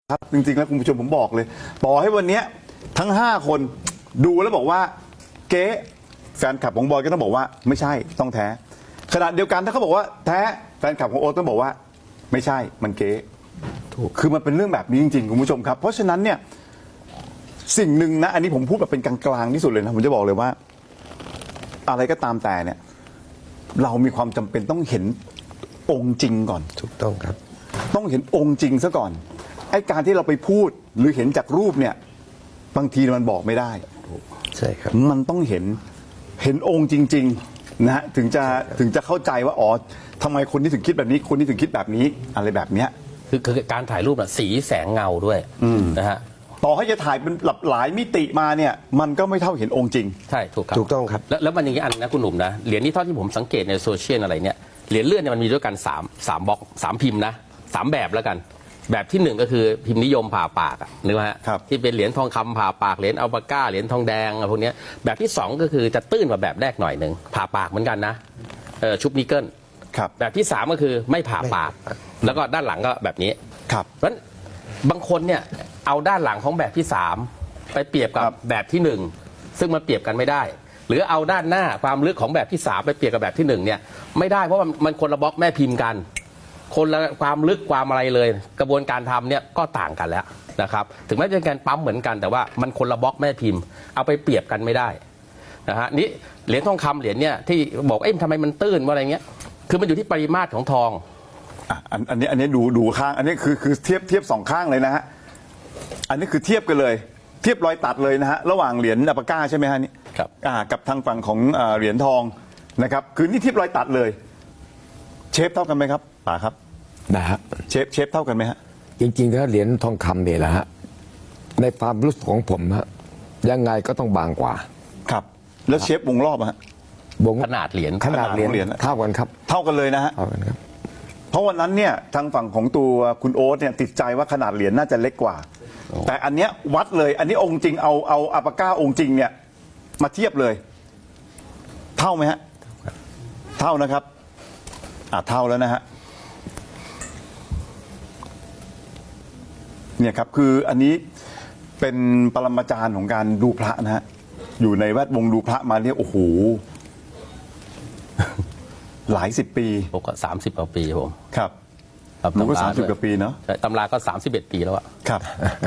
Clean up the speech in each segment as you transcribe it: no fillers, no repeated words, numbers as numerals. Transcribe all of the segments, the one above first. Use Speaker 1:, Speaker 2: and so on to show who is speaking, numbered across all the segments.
Speaker 1: ครับจริงๆแล้วคุณผู้ชมผมบอกเลยต่อให้วันนี้ทั้ง5คนดูแล้วบอกว่าเก๊แฟนคลับของบอยก็ต้องบอกว่าไม่ใช่ต้องแท้ขณะเดียวกันถ้าเขาบอกว่าแท้แฟนคลับของโอ๊ตต้องบอกว่าไม่ใช่มันเก๊ถูกคือมันเป็นเรื่องแบบนี้จริงๆคุณผู้ชมครับเพราะฉะนั้นเนี่ยสิ่งหนึ่งนะอันนี้ผมพูดแบบเป็นกลางๆที่สุดเลยนะผมจะบอกเลยว่าอะไรก็ตามแต่เนี่ยเรามีความจำเป็นต้องเห็นองค์จริงก่อน
Speaker 2: ถูกต้องครับ
Speaker 1: ต้องเห็นองค์จริงซะก่อนไอ้การที่เราไปพูดหรือเห็นจากรูปเนี่ยบางทีมันบอกไม่ได้
Speaker 2: ใช่ครับ
Speaker 1: มันต้องเห็นองค์จริงๆนะฮะถึงจะเข้าใจว่าอ๋อทำไมคนที่ถึงคิดแบบนี้คนที่ถึงคิดแบบนี้อะไรแบบเนี้ย
Speaker 3: คือการถ่ายรูปสีแสงเงาด้วยนะฮะ
Speaker 1: ต่อให้จะถ่ายเป็นหลายมิติมาเนี่ยมันก็ไม่เท่าเห็นองค์จริง
Speaker 3: ใช่ถูกครับ
Speaker 2: ถูกต้องครับ
Speaker 3: แล้วมันอย่างนี้อันนะคุณหนุ่มนะเหรียญนี้เท่าที่ผมสังเกตในโซเชียลอะไรเนี่ยเหรียญเลื่อนเนี่ยมันมีด้วยกัน3บล็อก3พิมพ์นะ3แบบแล้วกันแบบที่1ก็คือพิมพ์นิยมผ่าปากนึกว่าฮะที่เป็นเหรียญทองคำผ่าปากเหรียญอัลปาก้าเหรียญทองแดงอะไรพวกนี้แบบที่2ก็คือจะตื้นกว่าแบบแรกหน่อยหนึ่งผ่าปากเหมือนกันนะชุบนิกเกิลแบบที่3ก็คือไม่ผ่าปากแล้วก็ด้านหลังก็แบบนี้
Speaker 1: ครับ
Speaker 3: เพราะฉะนั้นบางคนเนี่ยเอาด้านหลังของแบบที่3ไปเปรียบกับแบบที่1ซึ่งมันเปรียบกันไม่ได้หรือเอาด้านหน้าความลึกของแบบที่3ไปเปรียบกับแบบที่1เนี่ยไม่ได้เพราะมันคนละบล็อกแม่พิมพ์กันคนละความลึกความอะไรเลยกระบวนการทำเนี่ยก็ต่างกันแล้วนะครับถึงแม้จะเป็นการปั๊มเหมือนกันแต่ว่ามันคนละบล็อกแม่พิมพ์เอาไปเปรียบกันไม่ได้นะฮะนี่เหรียญทองคำเหรียญเนี่ยที่บอกทำไมมันตื้นว่าอะไรเงี้ยคือมันอยู่ที่ปริมาตรของทอง
Speaker 1: อันนี้ดูข้างอันนี้คือเทียบ2ข้างเลยนะฮะอันนี้คือเทียบกันเลยเทียบรอยตัดเลยนะฮะระหว่างเหรียญอัลปาก้าใช่ไหมฮะนี่
Speaker 3: ครับ
Speaker 1: กับทางฝั่งของเหรียญทองนะครับคือนี่เทียบรอยตัดเลยเชฟเท่ากันไหมครับป๋าครับ
Speaker 2: นะฮะ
Speaker 1: เชฟเท่ากันไหมฮะ
Speaker 2: จริงๆถ้าเหรียญทองคำเนี่ยนะฮะในความรู้สึกของผมฮะยังไงก็ต้องบางกว่า
Speaker 1: ครับแล้วเชฟวงรอบฮะ
Speaker 3: ขนาดเหรียญ
Speaker 2: เท่ากันครับ
Speaker 1: เท่ากันเลยนะฮะ
Speaker 2: เท่ากันครับ
Speaker 1: เพราะวันนั้นเนี่ยทางฝั่งของตัวคุณโอ๊ตเนี่ยติดใจว่าขนาดเหรียญน่าจะเล็กกว่าแต่อันเนี้ยวัดเลยอันนี้องค์จริงเอาอัลปาก้าองค์จริงเนี่ยมาเทียบเลยเท่าไหมฮะเท่านะครับเท่าแล้วนะฮะเนี่ยครับคืออันนี้เป็นปรมาจารย์ของการดูพระนะฮะอยู่ในแวดวงดูพระมาเนี่ยโอ้โหหลาย10 ปี
Speaker 3: ผมก็30 กว่าปีผม
Speaker 1: ครับผมก็30 กว่าปีเนาะ
Speaker 3: ตำราก็31 ปีแล้วอะ
Speaker 1: ครับ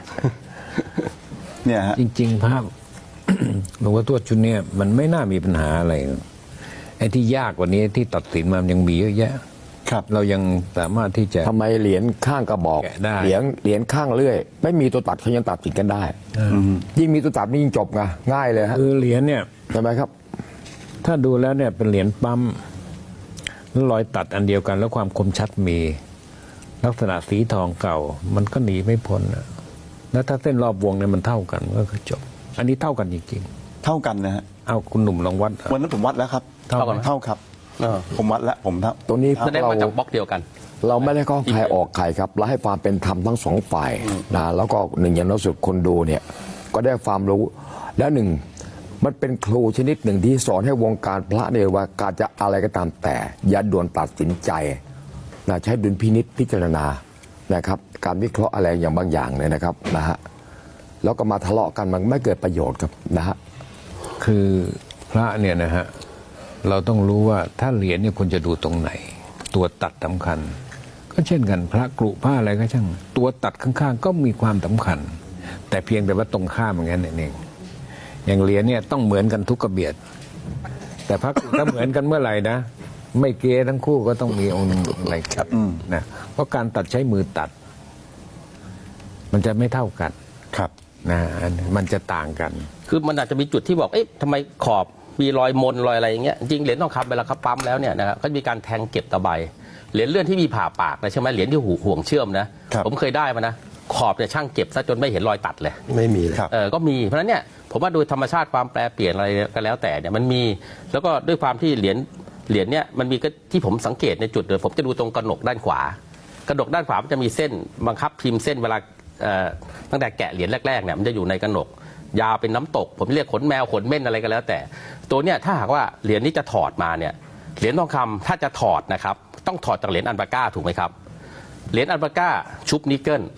Speaker 1: เนี่ยฮะ
Speaker 4: จริงๆภาพหลวงพ่อทวดชุดนี้มันไม่น่ามีปัญหาอะไรไอ้ที่ยากกว่านี้ที่ตัดสินมันยังมีเยอะแยะ
Speaker 1: ครับ
Speaker 4: เรายังสามารถที่จะ
Speaker 2: ทำไมเหรียญข้างกระบอกเหรียญข้างเลื่อยไม่มีตัวตัดเขายังตัดสินกันได้ยิ่งมีตัวตัดนี่ยิ่งจบไงง่ายเลยฮะ
Speaker 4: คือเหรียญเนี่ย
Speaker 2: ใช่ไหมครับ
Speaker 4: ถ้าดูแล้วเนี่ยเป็นเหรียญปั๊มแล้วรอยตัดอันเดียวกันแล้วความคมชัดมีลักษณะสีทองเก่ามันก็หนีไม่พ้นแล้วถ้าเส้นรอบวงเนี่ยมันเท่ากันก็คือจบอันนี้เท่ากันจริง
Speaker 1: ๆเท่ากันนะฮะ
Speaker 4: เอาคุณหนุ่มลองวัด
Speaker 1: วันนั้นผมวัดแล้วครับเท่าครับผมวัดแล้วผม
Speaker 2: ตัวนี้
Speaker 3: แสดงมาจากบล็อกเดียวกัน
Speaker 2: เราไม่ได้ข้อใครออกใครครับเราให้ความเป็นธรรมทั้ง2 ฝ่ายนะแล้วก็หนึ่งอย่างน้อยสุดคนดูเนี่ยก็ได้ความรู้แล้วหนึ่งมันเป็นครูชนิดหนึ่งที่สอนให้วงการพระเนี่ยว่าการจะอะไรก็ตามแต่อย่าด่วนตัดสินใจนะใช้ดุลพินิจพิจารณานะครับการวิเคราะห์อะไรอย่างบางอย่างเนี่ยนะครับนะฮะแล้วก็มาทะเลาะกันมันไม่เกิดประโยชน์ครับนะฮะ
Speaker 4: คือพระเนี่ยนะฮะเราต้องรู้ว่าถ้าเหรียญเนี่ยคุณจะดูตรงไหนตัวตัดสำคัญก็เช่นกันพระกรุผ้าอะไรก็ช่างตัวตัดข้างๆก็มีความสำคัญแต่เพียงแต่ว่าตรงข้ามอย่างนั้นเองอย่างเหรียญเนี่ยต้องเหมือนกันทุกกระเบียดแต่พระกรุถ้าเหมือนกันเมื่อไหร่นะไม่เกทั้งคู่ก็ต้องมีองค์อะไรครับนะเพราะการตัดใช้มือตัดมันจะไม่เท่ากัน
Speaker 1: ครับ
Speaker 4: นะมันจะต่างกัน
Speaker 3: คือมันอาจจะมีจุดที่บอกทำไมขอบมีรอยมนรอยอะไรอย่างเงี้ยจริงเหรียญทองคำเวลาเขาปั๊มแล้วเนี่ยนะครับก็มีการแทงเก็บตะไบเหรียญเลื่อนที่มีผ่าปากนะใช่ไหมเหรียญที่ห่วงเชื่อมนะผมเคยได้มานะขอบเนี่ยช่างเก็บซะจนไม่เห็นรอยตัดเลย
Speaker 2: ไม่มีเลย
Speaker 3: ก็มีเพราะฉะนั้นเนี่ยผมว่าโดยธรรมชาติความแปรเปลี่ยนอะไรก็แล้วแต่เนี่ยมันมีแล้วก็ด้วยความที่เหรียญเนี่ยมันมีก็ที่ผมสังเกตในจุดเดียวผมจะดูตรงกระหนกด้านขวากระหนกด้านขวามันจะมีเส้นบังคับพิมพ์เส้นเวลาตั้งแต่แกะเหรียญแรกๆเนี่ยมันจะอยู่ในกระหนกยาวเป็นน้ำตกผมเรียกขนแมวขนเม่นอะไรก็แล้วแต่ตัวเนี้ยถ้าหากว่าเหรียญนี้จะถอดมาเนี่ยเหรียญทองคำถ้าจะถอดนะครับต้องถอดจากเหรียญอัลปาก้าถูกไหมครับเหรียญอัลปาก้าชุบนิกเกิล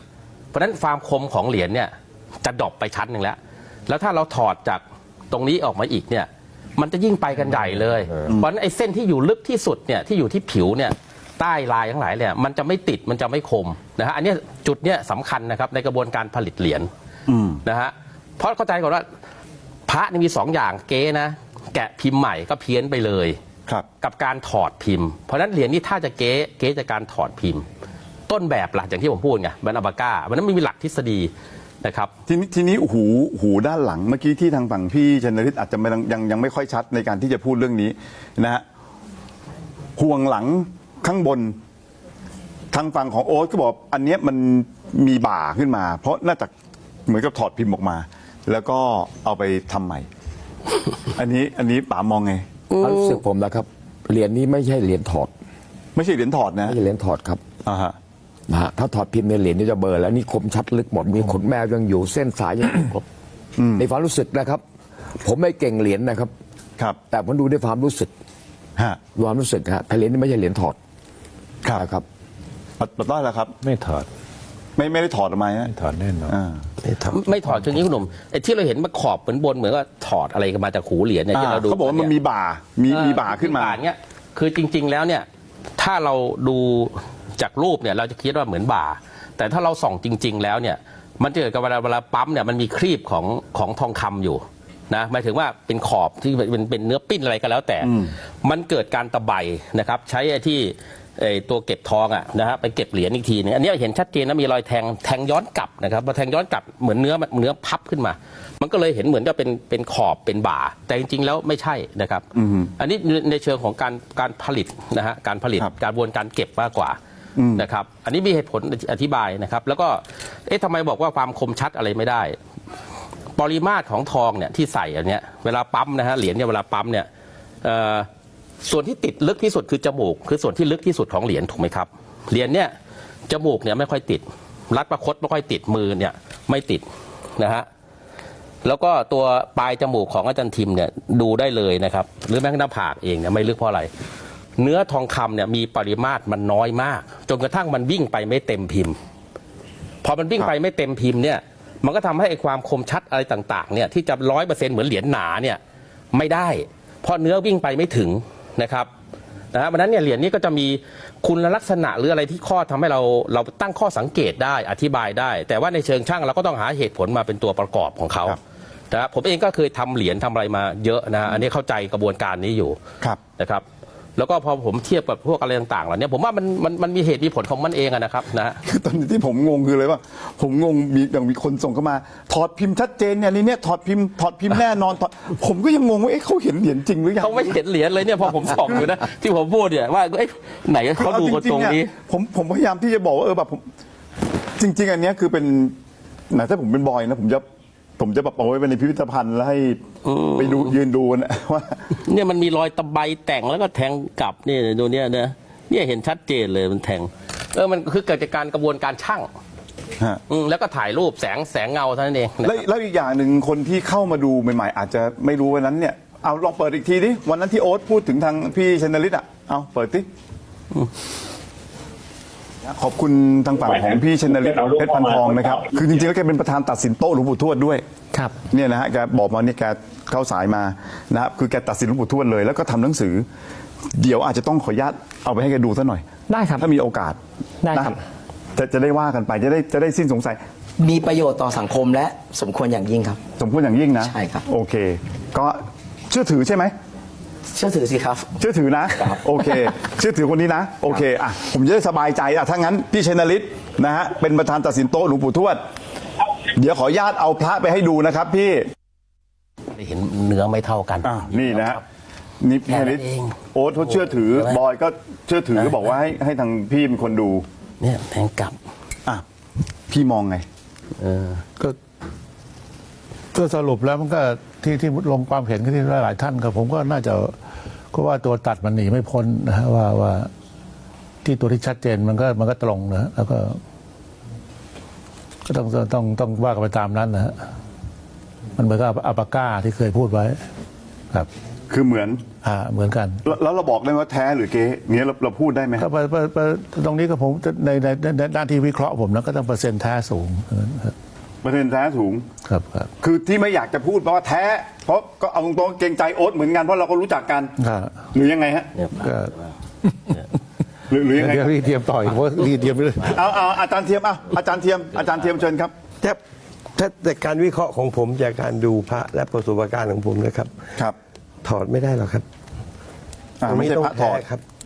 Speaker 3: เพราะฉะนั้นความคมของเหรียญเนี่ยจะดรอปไปชั้นหนึ่งแล้วถ้าเราถอดจากตรงนี้ออกมาอีกเนี่ยมันจะยิ่งไปกันใหญ่เลยเพราะฉะนั้นไอ้เส้นที่อยู่ลึกที่สุดเนี่ยที่อยู่ที่ผิวเนี่ยใต้ลายทั้งหลายเนี่ยมันจะไม่ติดมันจะไม่คมนะฮะอันนี้จุดเนี้ยสำคัญนะครับในกระบวนการผลิตเหรียญนะฮะเพราะเข้าใจก่อนว่าพระนี่มี2อย่างเก๊นะแกะพิมพ์ใหม่ก็เพี้ยนไปเลยกับการถอดพิมพ์เพราะฉะนั้นเหรียญนี้ถ้าจะเก๊จากการถอดพิมพ์ต้นแบบหลักอย่างที่ผมพูดไงมันอัลปาก้ามันนั้นไม่มีหลักทฤษฎีนะครับ
Speaker 1: ทีนี้หูด้านหลังเมื่อกี้ที่ทางฝั่งพี่ชนฤทธิ์อาจจะยังไม่ค่อยชัดในการที่จะพูดเรื่องนี้นะฮะห่วงหลังข้างบนทางฝั่งของโอ๊ตก็บอกอันเนี้ยมันมีบ่าขึ้นมาเพราะน่าจะเหมือนกับถอดพิมพ์ออกมาแล้วก็เอาไปทำใหม่ อันนี้ป๋ามองไง
Speaker 2: ความรู้สึกผมนะครับเหรียญนี้ไม่ใช่เหรียญถอด
Speaker 1: ไม่ใช่เหรียญถอดนะ
Speaker 2: ไม่ใช่เหรียญถอดครับนะฮะถ้าถอดพิมพ์ในเหรียญนี่จะเบลอแล้วนี่คมชัดลึกหมดมีขนแมวยังอยู่เส้นสายยังครบในความรู้สึกนะครับ ผมไม่เก่งเหรียญนะครับแต่ผมดูด้วยความรู้สึกความรู้สึกฮะแต่เหรียญนี่ไม่ใช่เหรียญถอด
Speaker 1: ครับปัดต้อยแล้วครับ
Speaker 4: ไม่ถอด
Speaker 1: ไม่ได้ถอดออกมา
Speaker 4: ไม่ถอดแน่นอน
Speaker 3: ไม่ถอดคืออย่างนี้คุณหนุ่มไอ้ที่เราเห็นมาขอบเหมือนบนเหมือนว่าถอดอะไรกันมาจากหูเหรียญเนี่ยที่เราดู
Speaker 1: เขาบอกว่ามันมีบ่ามีบ่าขึ้นมา
Speaker 3: เนี่ยคือจริงๆแล้วเนี่ยถ้าเราดูจากรูปเนี่ยเราจะคิดว่าเหมือนบ่าแต่ถ้าเราส่องจริงๆแล้วเนี่ยมันจะเกิดกับเวลาปั๊มเนี่ยมันมีครีบของทองคำอยู่นะหมายถึงว่าเป็นขอบที่เป็นเนื้อปิ้นอะไรก็แล้วแต่มันเกิดการตะไบนะครับใช้ไอ้ที่ตัวเก็บทองอ่ะนะฮะไปเก็บเหรียญอีกทีนึงอันนี้เห็นชัดเจนนะมีรอยแทงย้อนกลับนะครับพอแทงย้อนกลับเหมือนเนื้อพับขึ้นมามันก็เลยเห็นเหมือนกับเป็นขอบเป็นบ่าแต่จริงๆแล้วไม่ใช่นะครับอันนี้ในเชิงของการผลิตนะฮะการผลิตการกระบวนการเก็บมากกว่านะครับอันนี้มีเหตุผลอธิบายนะครับแล้วก็ทำไมบอกว่าความคมชัดอะไรไม่ได้ปริมาตรของทองเนี่ยที่ใส่อันเนี้ยเวลาปั๊มนะฮะเหรียญเนี่ยเวลาปั๊มเนี่ยส่วนที่ติดลึกที่สุดคือจมูกคือส่วนที่ลึกที่สุดของเหรียญถูกไหมครับเหรียญเนี่ยจมูกเนี่ยไม่ค่อยติดรัดประคตไม่ค่อยติดมือเนี่ยไม่ติดนะฮะแล้วก็ตัวปลายจมูกของอาจารย์ทิมเนี่ยดูได้เลยนะครับหรือแม้กระทั่งหน้าผากเองเนี่ยไม่ลึกเพราะอะไรเนื้อทองคำเนี่ยมีปริมาตรมันน้อยมากจนกระทั่งมันวิ่งไปไม่เต็มพิมพ์พอมันวิ่งไปไม่เต็มพิมพ์เนี่ยมันก็ทำให้ความคมชัดอะไรต่างๆเนี่ยที่จะ100%เหมือนเหรียญหนาเนี่ยไม่ได้เพราะเนื้อวิ่งไปไม่ถึงนะครับเพราะนั้นเนี่ยเหรียญนี้ก็จะมีคุณลักษณะหรืออะไรที่ข้อทำให้เราตั้งข้อสังเกตได้อธิบายได้แต่ว่าในเชิงช่างเราก็ต้องหาเหตุผลมาเป็นตัวประกอบของเขานะผมเองก็เคยทำเหรียญทำอะไรมาเยอะนะอันนี้เข้าใจกระบวนการนี้อยู่นะครับแล้วก็พอผมเทียบกับพวกอะไรต่างๆเหล่านี้ผมว่ามันมีเหตุมีผลของมันเองนะครับนะ
Speaker 1: คือตอนนี้ที่ผมงงคือเลยว่าผมงงมีคนส่งเข้ามาถอดพิมพ์ชัดเจนเนี่ยนี่เนี่ยถอดพิมพ์แน่นอนผมก็ยังงงว่าเขาเห็นเหรียญจริงหรือยัง
Speaker 3: เขาไม่เห็นเหรียญเลยเนี่ยพอผมส่องอยู่นะที่ผมพูดเนี่ยว่าไหนเขาดูกันตรงนี้
Speaker 1: ผมพยายามที่จะบอกว่าแบบผมจริงๆอันนี้คือเป็นถ้าผมเป็นบอยนะผมจะแบบเอาไว้ในพิพิธภัณฑ์แล้วให้ไปดูยืนดูนะว่า
Speaker 3: เนี่ยมันมีรอยตะไบแต่งแล้วก็แทงกลับนี่ดูเนี่ยเนี่ยเห็นชัดเจนเลยมันแทงมันคือเกิดจากการกระบวนการช่างแล้วก็ถ่ายรูปแสงเงาเท่านั้นเอง
Speaker 1: แล้วอีกอย่างหนึ่งคนที่เข้ามาดูใหม่ๆอาจจะไม่รู้วันนั้นเนี่ยเอาลองเปิดอีกทีดิวันนั้นที่โอ๊ตพูดถึงทางพี่ชนฤทธิ์เอาเปิดดิขอบคุณทางฝั่งของพี่ชนฤทธิ์เพชรพันทองนะครับคือจริงๆแล้วแกเป็นประธานตัดสินโต๊ะหลวงปู่ทวดด้วย
Speaker 3: ครับ
Speaker 1: เนี่ยนะฮะแกบอกมาเนี่ยแกเข้าสายมานะครับคือแกตัดสินหลวงปู่ทวดเลยแล้วก็ทำหนังสือเดี๋ยวอาจจะต้องขออนุญาตเอาไปให้แกดูซะหน่อย
Speaker 3: ได้ครับ
Speaker 1: ถ้ามีโอกาส
Speaker 3: ได้ครับ
Speaker 1: จะได้ว่ากันไปจะได้สิ้นสงสัย
Speaker 5: มีประโยชน์ต่อสังคมและสมควรอย่างยิ่งครับ
Speaker 1: สมควรอย่างยิ่งนะ
Speaker 5: ใช่ครับ
Speaker 1: โอเคก็เชื่อถือใช่ไหม
Speaker 5: เชื่อถือสิครับ
Speaker 1: เชื่อถือนะโอเคเชื่อถือคนนี้นะโอเคผมจะได้สบายใจถ้างั้นพี่ชนฤทธิ์นะฮะเป็นประธานตัดสินโต๊ะหลวงปู่ทวดเดี๋ยวขออนุญาตเอาพระไปให้ดูนะครับพี่
Speaker 3: เห็นเนื้อไม่เท่ากัน
Speaker 1: นี่นะนี่พี่ชนฤทธิ์โอ๊ตเขาเชื่อถือบอยก็เชื่อถือก็บอกว่าให้ทางพี่เป็นคนดู
Speaker 3: เนี่ยแทงกลับ
Speaker 1: พี่มองไง
Speaker 4: ก็สรุปแล้วมันก็ที่ลงความเห็นที่หลายท่านครับผมก็น่าจะก็ว่าตัวตัดมันหนีไม่พ้นนะฮะว่าที่ตัวที่ชัดเจนมันก็ตรงนะแล้วก็ต้องว่ากันไปตามนั้นนะฮะมันเหมือนกับอัลปาก้าที่เคยพูดไว้ครับ
Speaker 1: คือเหมือน
Speaker 6: เหมือนกัน
Speaker 1: แล้วเราบอกได้ไหมว่าแท้หรือเก๊เนี้ยเราพูดได้ไหม
Speaker 6: ก็ตรงนี้ก็ผมในด้านที่วิเคราะห์ผมนะก็ต้องเปอร์เซ็นต์แท้สูงครับ
Speaker 1: เปอร์เซ็นต์แท้สูง
Speaker 6: ครับ
Speaker 1: คือที่ไม่อยากจะพูดเพราะว่าแท้ เพราะก็เอาตรงๆเกรงใจโอ๊ตเหมือนกันเพราะเราก็รู้จักกัน
Speaker 6: ครับ
Speaker 1: หรือยังไงฮะ
Speaker 6: ก็
Speaker 1: หรือยังไง
Speaker 6: เดี๋ยวพี่เทียมต่อยเพราะพี่เทียมไปเลย
Speaker 1: เอาอาจารย์เทียมอาจารย์เทียมเชิญครับ
Speaker 7: ถ้าแต่การวิเคราะห์ของผมจากการดูพระและประสบการณ์ของผมนะครับ
Speaker 1: ครับ
Speaker 7: ถอดไม่ได้หรอกครับ
Speaker 1: ไม่ใช่พระถอด
Speaker 7: แท้ครับ